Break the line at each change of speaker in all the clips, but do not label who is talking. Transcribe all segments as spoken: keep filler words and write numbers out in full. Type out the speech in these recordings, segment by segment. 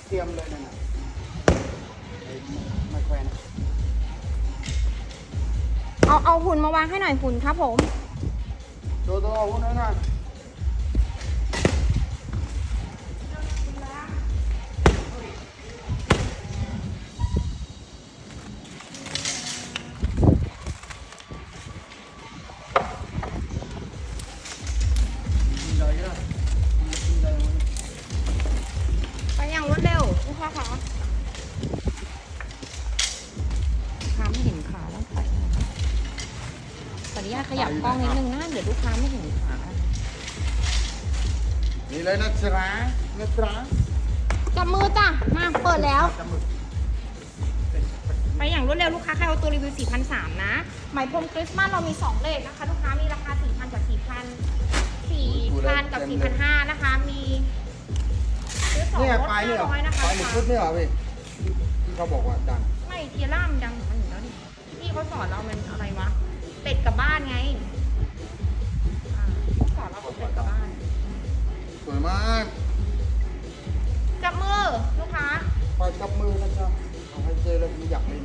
เตรียมเลยนะไม่แควน
เอาเอาหุ่นมาวางให้หน่อยหุ่นครับผม
ตัวตัวหุ่นนั่นน่ะ
ไปอย่างรวดเร็วลูกค้าคะลูกค้าไม่เห็นขาแล้วใส่ขออนุญาตขยับกล้องนิดนึงนะเดี๋ยวลูกค้าไม่เห็นขา
นี่เลยนะจ๊ะนะจ๊ะ
จับมือจ้ะมาเปิดแล้ว ไปอย่างรวดเร็วลูกค้าใครเอาตัวรีวิว สี่พันสามร้อย นะไหมพรมคริสต์มาสเรามีสองเลทนะคะลูกค้ามีราคา สี่พัน กับ สี่พัน สี่พัน กับ สี่พันห้าร้อย นะคะมีซื้อสอง
นี่
ลด
ปลายนี่เหรอ
ห้าร้อยนะคะ
ปลายหนึ่งชุดนี่เหรอพี่ที่เขาบอกว่าดัง
ไม่เทียร่ามนดังของมันอยู่แล้วนี่พี่เขาสอนเรามันอะไรวะเป็ดกับบ้านไงอ่าเขาสอนเราเป็ดกับบ้าน
สวยมาก
จับมือลูกค้า
ปล่อยกับมือนะจ๊ะเอาให้เจอเลยมีอยากเล่น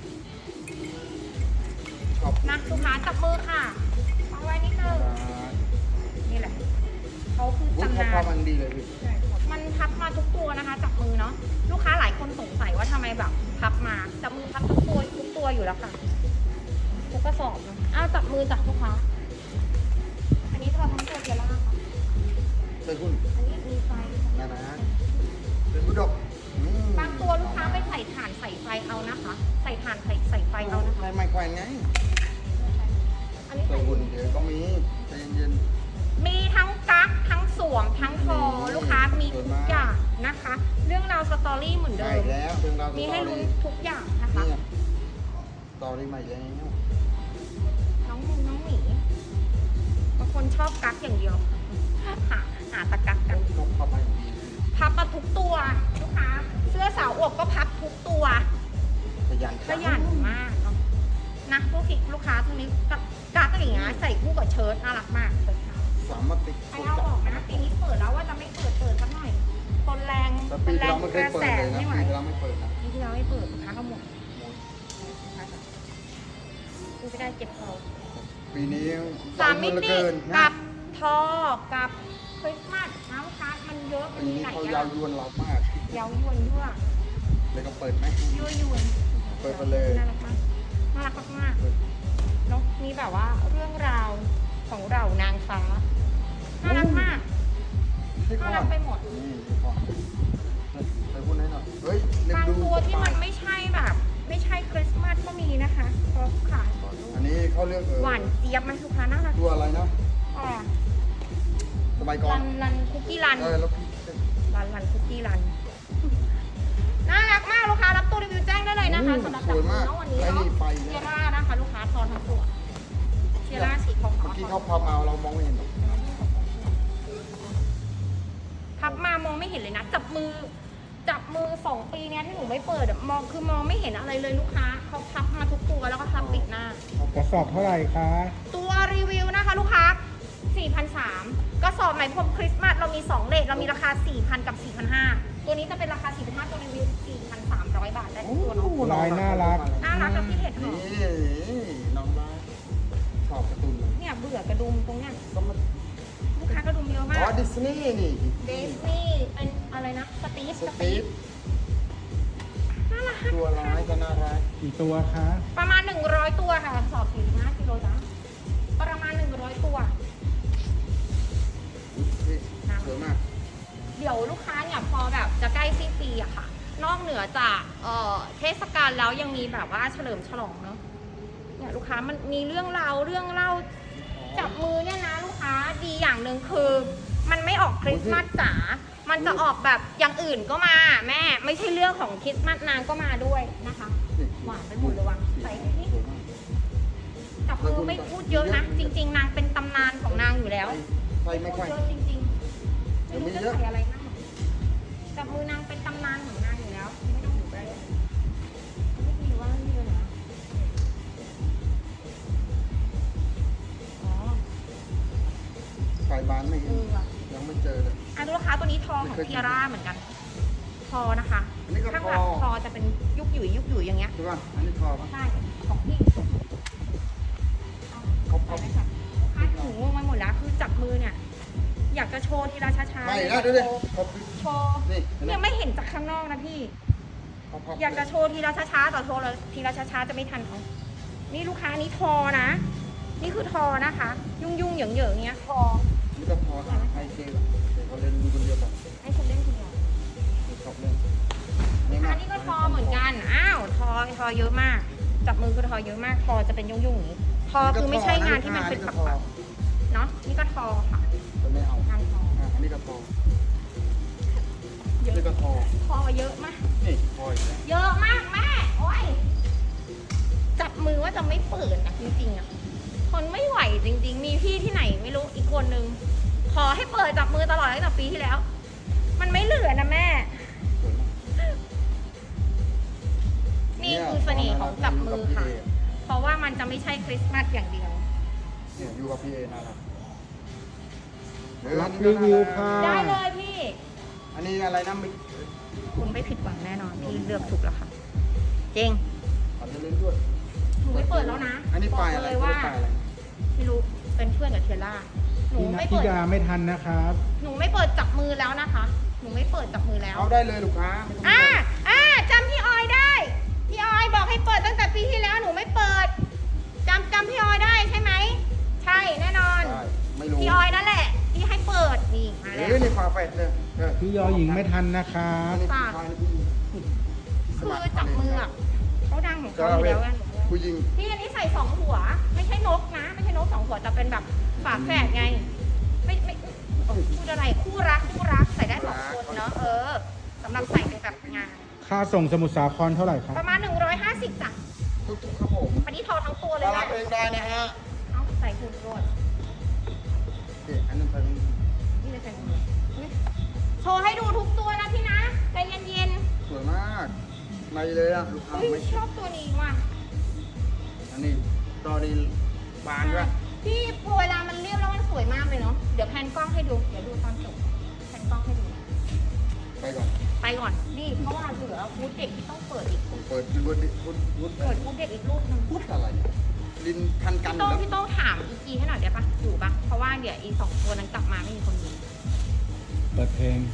ชอบ
นะลูกค้าจับมือค่ะเอาไว้นิดนึงนี่แหละเขาคือ
วุ้น
ตำ
เขา
นา
พาน มันดีเลยพี่
มันพับมาทุกตัวนะคะจับมือเนาะลูกค้าหลายคนสงสัยว่าทำไมแบบพับมาจับมือพับทุกตัวทุกตัวอยู่แล้วค่ะทุกกระสอบเนาะอ้าวจับมือจับลูกค้าอันนี้ทอทั้งตัวเทียร่าค่ะ
ใส่หุ้น
อันนี้มีไฟ
นะนะเป็นบุดก
บางตัวลูกค้าไปใส่ถ่านใส่ไฟเอานะคะ ใส่ถ่านใส่ใส่ไฟเอานะคะ
ในไม้แขวนไง
อันนี้
ใส่
ใส่
หุ้นเดี๋ยวก็มีใจเย็น
มีทั้งกั๊กทั้งสวมทั้งคอลูกค้ามีทุกอย่างนะคะ เรื่องราวสตอรี่เหมือน
ๆ
เดิ
ใช่
ม
แล้วเรื่องราว
มีให้ลุ้นทุกอย่างนะคะ
นี่ตอรี่ใหม่แล้ว
น้องมูน้องหมีบางคนชอบกั๊กอย่างเดียวหาหาตะกั๊กกัน
เขาเข้ามาอย่างดี
พับมาทุกตัวลูกค้า เสื้อสาวอวบก็พับทุกตัว
ขยัน
ขยันมากเนาะนะลูกค้าลูกค้าทั้งนี้กั๊กกั๊กอย่างเงี้ยใส่คู่กับเชิ้ตน่ารักมากเลยค่ะ
สามารถติด
ใครเอาออกนะปีนี้เปิดแล้วว่าจะไม่เปิดเปิดสักหน่อยคนแรง
แต่
ค
ปี
นแร
ที่
ง
เราไม่เค
ก
ย
ระ
เปิด
แส
เลยนะ
ไม่ไหว
ปีที่เราไม่เปิดนะ
ปีที่เราไม่เปิดค้าขโมยดูไม่ได้เจ็บคอ
ปีนี้
สามมิ
เหลือ
ติ
เกินนะ
กับทอกับคริสต์มาสนะลูกค้ามันเยอะมัน
ปี
มี
นี้
หลาย
เขา
อย
า
ย่าว ง
ยวนเรามาก
เย้ายวนยั่ว
เลยก็เปิดไหม
ยั่วยวน
เปิดไปเลย
น่ารักมากน่ารักมากๆเนาะมีแบบว่าเรื่องราวของเรานางฟ้าน่ารักมาก
ที่ก่
น่า
อ
รั
น
กไปหมด
นี่ที่ก่อนไปพูดให้หน่อยเฮ้ยเล็
บาง
ดู
ตัวที่มันไม่ใช่แบบ ไม่ใช่คริสต์มาสก็มีนะคะพอขายก่อนลูก
อันนี้เขาเรียกเออ
หวานเจี๊ยบไหมลูกค้าน่ารัก
ตัวอะไรนะ
อ่า
สมัยก่อ
รั
น
นรันคุกกี้รัน
เออแล้วพี่
รันรันคุกกี้รัน น่ารักมากลูกค้ารับตัวรีวิวแจ้งได้เลยนะคะสำหรับ
ส
จับ
วย
มื
มา
อก น้องวันนี้
ไอ้
เนาะ
นี่ไป
เที
เนี่ย
ยร่านะคะ ลูกค้าทอนทั้งตัวเทียร่าสีขาว
เมื่อกี้เขาพามาเรามองไม่เห็นหรอก
พับมามองไม่เห็นเลยนะ จับมือ จับมือสองปีเนี้ยที่หนูไม่เปิดอะมองคือมองไม่เห็นอะไรเลยลูกค้าเขาพับมาทุกตัวแล้วก็พับปิดหน้า
กระสอบเท่าไหร่คะ
ตัวรีวิวนะคะลูกค้า สี่พันสามร้อย กระสอบไหมพรมคริสต์มาสเรามีสองเลทเรามีราคา สี่พัน กับ สี่พันห้าร้อย ตัวนี้จะเป็นราคา สี่พันห้าร้อย ตัวรีวิว สี่พันสามร้อย บาทได้ทุกตัวเนาะ
ลายน่ารัก
น่ารักกับพี่เห็ดหอ
นี่
ม
น้องบ้าชอบการ์ตูนเลย
เนี่ยเบื่อกระดุมตรงเนี้ย
ก็มา
ลูกค้ากระดุมเยอะมา
อ๋อก ดิสนีย์นี่
เดสนี่เป็นอะไรนะ สตีฟ
ส
ส
ตี
ตีฟ
ฟ
น่ารัก
ตัวร้ายก็น่ารัก
กี่ตัวคะ
ประมาณ หนึ่งร้อย ตัวค่ะกระสอบสี่สิบห้ากิโลจ้ะประมาณ หนึ่งร้อย ตัว
สวยมาก
เดี๋ยวลูกค้าเนี่ยพอแบบจะใกล้สิ้นปีอะค่ะ นอกเหนือจากเอ่อเทศกาลแล้วยังมีแบบว่าเฉลิมฉลองเนาะเนี่ยลูกค้ามันมีเรื่องราวเรื่องเล่าจับมือเนี่ยนะลูกค้าดีอย่างหนึ่งคือ มันไม่ออกคริสต์มาสจ๋ามันจะออกแบบอย่างอื่นก็มาแม่ไม่ใช่เรื่องของคริสต์มาสนางก็มาด้วยนะคะหวานไปหมดเลยวังใส่นี่จับมือไม่พูดเยอะนะ จริง ๆ นางเป็นตำนานของนางอยู่แล้ว
ใส่ไม่ค่อย
เยอะจริงๆไม่รู้จะใส่อะไรมากจับมือนางเป็นตำนานของนางอยู่แล้วไม่ต้องอยู่ใกล้ไม่มีว่านี่เลยนะอ๋อ
ไฟบานไม่
เอ
เห็น
อว่ะ
ยังไม่เจอเลย
อ่ะดูราคาตัวนี้ทองของเทียร่าเหมือนกันทอนะคะ
อันนี้ก็
ข้าง
ท
หลั
อง
ทอจะเป็นยุกหยุ่ยยุกหยุ่ยอย่างเงี้ย
ใช่ป่ะอันนี้ทอป่ะ
ใช่ของพี่
เขา
ไป
เขา
ไหมคะคาดหูงงมาหมดแล้วคือจับมือเนี่ย อยากจะโชว์ทีละช้าๆ
ไม่นะดูดิเขา
โชว์
นี่
เนี่ยไม่เห็นจากข้างนอกนะพี่
เขาพับ
อยากจะโชว์ทีละช้าๆแต่โชว์ละทีละช้าๆจะไม่ทันเขานี่ลูกค้านี้ทอนะ นี่คือทอนะคะ ยุ่งยุ่งๆเหยิงเหยิงๆเงี้ยทอ
นี่ก็ทอหาไฮเซลเขาเล่นมีคนเดียวกัน
ให้คนเล่นคนเดียว
ชอบเล่น
อันนี้ก็ทอเหมือนกัน อ้าว ทอ ทอเยอะมาก จับมือคือทอเยอะมาก ทอจะเป็นยุ่งยุ่งๆอย่างนี้ ทอคือไม่ใช่งานที่มันเป็นปักๆเนาะ นี่ก็ทอค่ะ
จะไม่เอา
งานทอ
อ่ะอันนี้ก็ทอ
เยอะ
นี่ก็ทอ
ทอเยอะมาก
นี่ทออีกแล้ว
เยอะมากแม่ โอ้ย จับมือว่าจะไม่เปิดนะจริงๆอ่ะคนไม่ไหวจริงๆ มีพี่ที่ไหนไม่รู้อีกคนนึง ขอให้เปิดจับมือตลอดตั้งแต่ปีที่แล้ว มันไม่เหลือนะแม่
สวยมาก
นี่คือเสน่ห์ของจับมือค่ะ เพราะว่ามันจะไม่ใช่คริสต์มาสอย่างเดียว
เนี่ยอยู่กับพี่เอน่ารัก
รับรีวิวค่ะ
ได้เลยพี่
อันนี้อะไรนะมิก
คุณไม่ผิดหวังแน่นอนพี่เลือกถูกแล้วค่ะจริง
อันนี้เล่นด้วย
หนูไม่เปิดแล้วนะ
อันนี้
บ
ป
อ
ลาก ยอะไร
เลยว่า
ปลายอะไร
ไม่รู้เป็นเพื่อนกับเทยล่าหนู
พี่นัท
ไม่
ธิ
เปิด
ดาไม่ทันนะครับ
หนูไม่เปิดจับมือแล้วนะคะ หนูไม่เปิดจับมือแล้ว
เอาได้เลยลูกค้าไม่ต้อง
อ่าอ่าจำพี่ออยได้ พี่ออยบอกให้เปิดตั้งแต่ปีที่แล้วหนูไม่เปิดจำจำพี่ออยได้ใช่ไหมใช่แน่นอน
ได้ไม่รู้
พี่ออยนั่นแหละที่ให้เปิดนี่มา
เอ
แล้ว
อนี่ฝาแฝดเลยเออ
พี่ยอหญิงไม่ทันนะครั
อั
บ
นนี้ผู้ชายนี่ผู้หญิง
คือจับมืออะเขาดังของเขาอยู่แล้วไง
ผู้หญิง
พี่อันนี้ใส่สองหัว ไม่ใช่นกนะ ไม่ใช่นกสองหัวจะเป็นแบบฝาแฝดไง ไม่ไม่พูดอะไรคู่รักคู่รักใส่ได้สองคนเนาะเออสำหรับใส่ในแบบงาน
ค่าส่งสมุทรสาครเท่าไหร่ครับ
ประมาณหนึ่งร้อยห้าสิบจ้ะ
ทุกๆครับผม
อันนี้ทอทั้งตัวเลย
มารั
นะ
บเองได้นะฮะ
เอาใส่หุ่นรวด
โอเคอันนั้นไปตรงนี้
นี่เลยใส่หุ่นอุ๊ยโชว์ให้ดูทุกตัวนะพี่นะใจเย็น
สวยมากในเลยอะลูก
ๆ
ค้า
เฮ้ย
ไม่
ชอบตัวนี้ว่ะ
อันนี้ตอนนี้บานด้วย
พี่พอเวลามันเรียบแล้วมันสวยมากเลยเนาะเดี๋ยวแพนกล้องให้ดูเดี๋ยวดูตอนจบแพนกล้องให้ดู
ไปก่อน
ไปก่อนนี่เพราะว่าเหลือฟูดเด็กที่ต้องเปิดอีก
ผมเปิดดูวุ้นวุ้นวุ้น
เปิดฟูดเด็กอีกรูปหนึง
วุ้นอะไรเนี่ยลินทันกัน
พี่
อยู่
โต้ง
แล้ว
พี่โต้งถามอีกีให้หน่อยได้ปะอยู่ปะเพราะว่าเดี๋ยวอีสองตัวนั้นกลับมาไม่มีคนดู
เปิดเพลง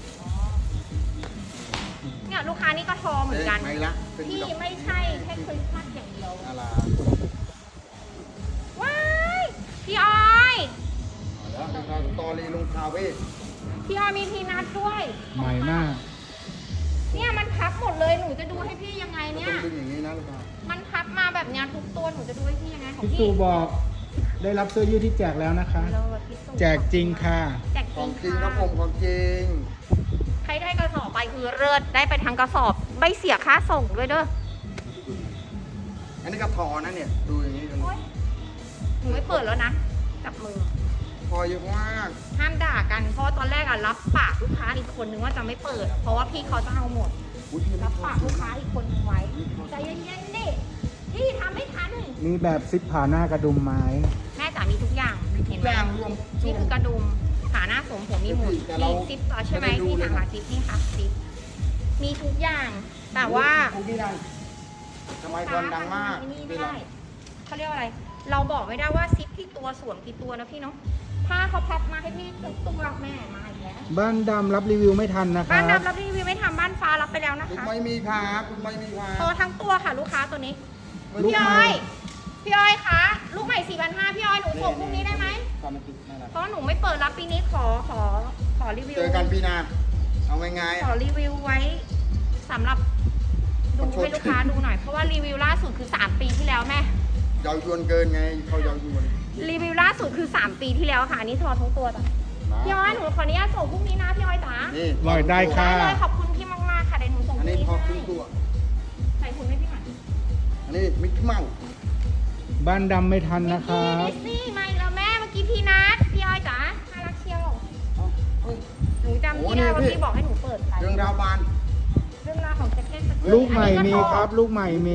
เนี่ยลูกค้านี่ก็ทอเหมือนกัน
ไม่ละเป็น
ที่
ดอก
ไม่ใช่แค่คริสต์มาสอย่างเดียว
น่ารัก
ว้ายพี่ออย
แล้วเราตอรีลงคาเฟ่
พี่ออยมีพีนัทด้วย
ใหม่มาก
เนี่ยมันพับหมดเลยหนูจะดูให้พี่ยังไงเนี่ย
ต้องดึงอย่างนี้นะลูกค้า
มันพับมาแบบเนี้ยทุกตัวหนูจะดูให้พี่ยังไงของ
พี่
พี่
สูบอกได้รับเสื้อยืดที่แจกแล้วนะคะ
เลิศพี่สุ
แจกจริงค่ะ
แจก
ข
จ
องจ
ริ
ริ
ง
งครับ
ค่ะ
ผมของจริง
ใครได้กระสอบไปคือเลิศได้ไปทางกระสอบไม่เสียค่าส่งด้วยเด้อ
อันนี้ก็ทอนะเนี่ยดูอย่างนี้กัน
โอ๊ยหนูไม่เปิดแล้วนะจับมือ
ทอเยอะมาก
ห้ามด่ากันเพราะตอนแรกอะรับปากลูกค้าอีกคนนึงว่าจะไม่เปิด เพราะว่าพี่เขาจะเอาหมด
อุ้ยพี่
รับปากลูกค้าอีกคนนึงไว้ใจเย็นๆดิพี่ทำไม่ทัน
มีแบบซิปผ่าหน้ากระดุมไม้
แม่จ๋ามีทุกอย่างเห็นไหม
ย่างรวม
นี่คือกระดุมขาหน้าสวมผมมีหมุน
แต่เรา
มีซิปต่อใช่ไหม
ไม่ได้ดู
ที่
เลย
หางหาซิปนี่ค่ะซิปมีทุกอย่าง แต่ว่า
คุกกี้ดังสมัยก่อนดังมาก
นี่ไม่ได้เขาเรียกว่าอะไร เราบอกไม่ได้ว่าซิปที่ตัวสวมกี่ตัวนะพี่เนาะถ้าเขาพับมาให้พี่ทุกตัวแม่มาอีกแล้ว
บ้านดำรับรีวิวไม่ทันนะค
บ้าน
รับ
ดำรับรีวิวไม่ทำบ้านฟ้ารับไปแล้วนะ
คุณ
คะ
ไม่มีครับคุณไม่มีครับ
พอทั้งตัวค่ะลูกค้าตัวนี้
ลูก
พี่
ให
อ้
ม่
อยพี่อ้อยคะลูกใหม่สี่พันห้าพี่อ้อยหนูส่งพรุ่งนี้ได้ไหม
ความเป็นติดนั่นแหละ
เพราะหนูไม่เปิดรับปีนี้ขอขอขอรีวิว
เจอกันปีหนาเอาง่ายๆ
ขอ
อะ
รีวิวไว้สำหรับดูให้ลูกค้าดูหน่อยเพราะว่ารีวิวล่าสุดคือสามปีที่แล้วแม่
เยาวยวนเกินไงเขาเยาวยวน
รีวิวล่าสุดคือสามปีที่แล้วค่ะอันนี้ทอทั้งตัวจ้ะพี่อ้อยหนูขออนุญาตส่งพรุ่งนี้นะพี่อ้อยจ๋า
นี่
ลอยได้ค่ะ
ได้เลยขอบคุณพี่มากๆค่ะเดี๋ยวหนูส่งพ
อัน
รุ่ง
นี้
นี้
พอครึ่ง
ให้
ตัว
ใส่หุ่นให้พี่หน่อย
อันนี้มิกกี้เมาส์
บ้านดำไม่ทันนะค
มิ
รั
ก
บ
กี้ดิสนีย์มาอีกแล้วแม่เมื่อกี้พี่นัทพี่อ้อยจ๋าน่ารักเชียว
เอาเฮ้ย
หนูจำ
โอ้
พี่ได้ว่า
นี่พี่
พี่บอกให้หนูเปิดไป
เรื่องราวบาน
เรื่องราวของแจ็คเก็ตสกี
ลูกใหม่
อัน
มี
นี้ก็
ครับ ลูกใหม่มี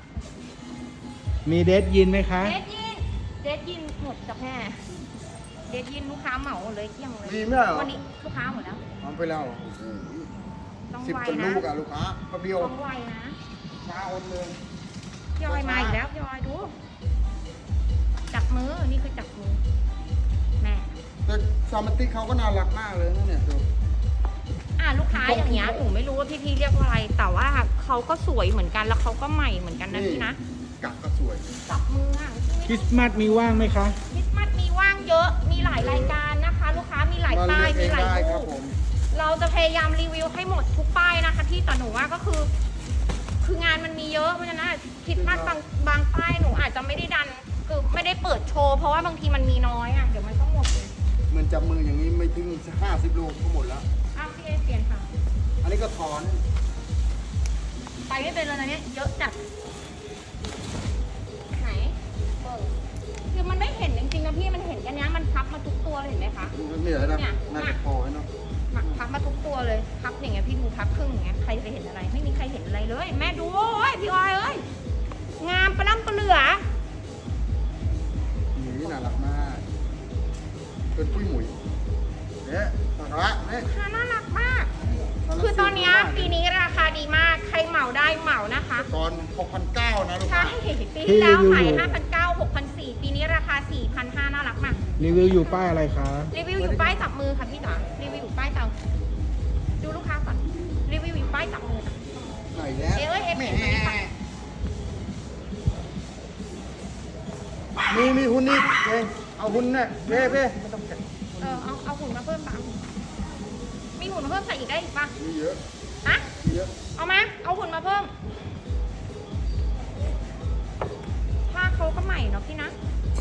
มีเดทยินไหมคะ
เดดยินเดดยินหมดกับแม่เดทยินลูกค้าเหมาหมดเลยเกลี้ยงเลย
มีไหมเหรอ
วันนี้ลูกค้าหมดแล้ว
เอาไปแล้วโอ้โห
ต้อง
สิบ
ไว
คน
นะ
ลูกอะลูกค้าแป๊บเดียว
ต้องไวนะ
ช้าอดเลย
พี่ออยมาอีกแล้วพี่ออยดูจับมือนี่คือจับมือแม่
แต่ซามันติเขาก็น่ารักมากเลยนะเนี่ยดู
อ่ะลูกค้าอย่างเงี้ยหนูไม่รู้ว่าพี่ๆเรียกว่าอะไร แต่ว่าเขาก็สวยเหมือนกันแล้วเขาก็ใหม่เหมือนกันนะพี่นะ
กักก็สวย
จับมืออ่ะ
คริสต์มาสมีว่างไหมคะ
คริสต์มาสมีว่างเยอะมีหลายรายการนะคะ ลูกค้ามีหลาย
มา
ป้าย
เลือกเอ
มี
ง
หลาย
ได้ค
รู
รับ
ป
ผม
เราจะพยายามรีวิวให้หมดทุกป้ายนะคะพี่แต่หนูว่าก็คือ คืองานมันมีเยอะเพราะฉะนั้นคริสต์มาสบางบางป้ายหนูอาจจะไม่ได้ดันคือไม่ได้เปิดโชว์เพราะว่าบางทีมันมีน้อยอ่ะเดี๋ยวมันก็หมดเลย
เหมือนจับมืออย่างนี้ไม่ถึงห้าสิบโลก็หมดแล้ว
อ้าวพี่เอเปลี่ยนค่ะ
อันนี้ก็ถอน
ไปไม่เป็นเลยนะเนี่ยเยอะจัดไหนเปิดคือมันไม่เห็นจริงๆนะพี่มันเห็นกันเนี้ยมันพับมาทุกตัวเลยเห็นไหมคะ
ไม่เหลือแล้ว
เนี่ย
น่าจะพอให้เนาะ
มาพับมาทุกตัวเลยพับอย่างเงี้ยพี่ดูพับครึ่งอย่างเงี้ยใครจะเห็นอะไรไม่มีใครเห็นอะไรเลย แม่ดูโอ้ยพี่ออยเอ้ยงามประล่ำประเหลือ
นี่น่ารักมากเป็นปุ้ยหมุยเนี่ยสาระเนี่ย
ค่ะน่ารักมาก คือตอนเนี้ยปีนี้ราคาดีมากใครเหมาได้เหมานะคะ
ตอนหกพันเก้านะลูก
ใช่
ค้า
ปีที่แล้วขายห้าพันเก้าหกพันสี่ปีนี้ราคาสี่พันห้าน่ารักมาก
รีวิวอยู่ป้ายอะไรคะ
รีวิวอยู่ป้ายจับมือค่ะพี่จ๋ารีวิวอยู่ป้ายจับดูลูกค้าก่อนรีวิวอยู่ป้ายจับมือจ้ะ
ไหนแล้ว
เอ้ยเอ้ย
แหม
เปลี่ยนไปค่ะ
มีมีหุ่นนี่เองเอาหุ่นเนี่ยเพ่เพ่ไม่ต้องแกะ
เออเอาเอาหุ่นมาเพิ่มปะมีหุ่นมาเพิ่มใส่อีกได้อีกปะ
มีเยอะ
ฮะ
มีเยอะ
เอามาเอาหุ่นมาเพิ่มผ้าเขาก็ใหม่เนาะพี่นะ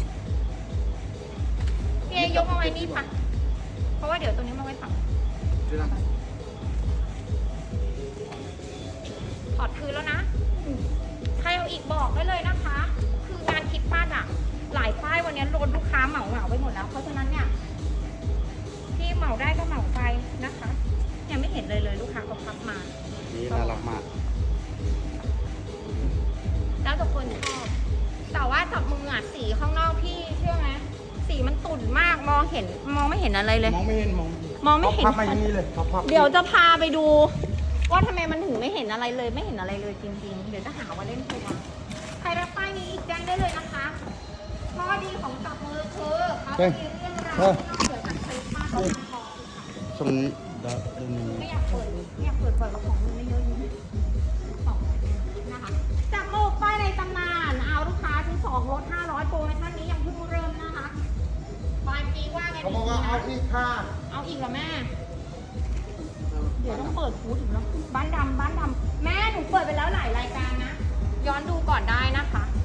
พี่เอยกมาไว้นี่ปะเพราะว่าเดี๋ยวตัวนี้มาไว้ฝั่ง
เดี๋ยวนะ
ถอดคืนแล้วนะ ใครเอาอีกบอกได้เลยนะคะ คืองานคริดป้าอะหลายป้ายวันนี้โดนลูกค้าเหมาเหมาไปหมดแล้ว เพราะฉะนั้นเนี่ยที่เหมาได้ก็เหมาไปนะคะ ยังไม่เห็นเลยเลยลูกค้าเขาพับมา
นี่น่ารักมาก
แล้วแต่คนชอบ แต่ว่าจับมืออ่ะสีข้างนอกพี่เชื่อไหมสีมันตุ่นมากมองเห็นมองไม่เห็นอะไรเลย
มองไม่เห็นมอง
มองไม่เห็น
พับมาอย่างนี้เลยพับพับ
เดี๋ยวจะพาไปดู ว่าทำไมมันถึงไม่เห็นอะไรเลย ไม่เห็นอะไรเลยจริงๆ เดี๋ยวจะหาว่าเล่นตัวใครรับป้ายนี้อีกแจ้งได้เลยนะคะข้อดีของจับมือคือเขาจะมีเรื่องราวที่นอกเหนือจากคลิปมากกว่าพอ
ตรงนี้เดี๋ยวเดี๋ยวนี้
ไม่อยากเปิดไม่อยากเปิดเปิดกระของมันไม่เยอะอยู่ของนะคะจับมือป้ายในตำนานเอาลูกค้าซื้อสองลดห้าร้อยโปรโมชั่นนี้ยังเพิ่งเริ่มนะคะปลายปีว่าไง
เขาบอกว่าเอาอีกค่ะ
เอาอีกเหรอแม่ เดี๋ยวต้องเปิดฟูดอีกแล้วบ้านดำบ้านดำแม่หนูเปิดไปแล้วหลายรายการนะ ย้อนดูก่อนได้นะคะ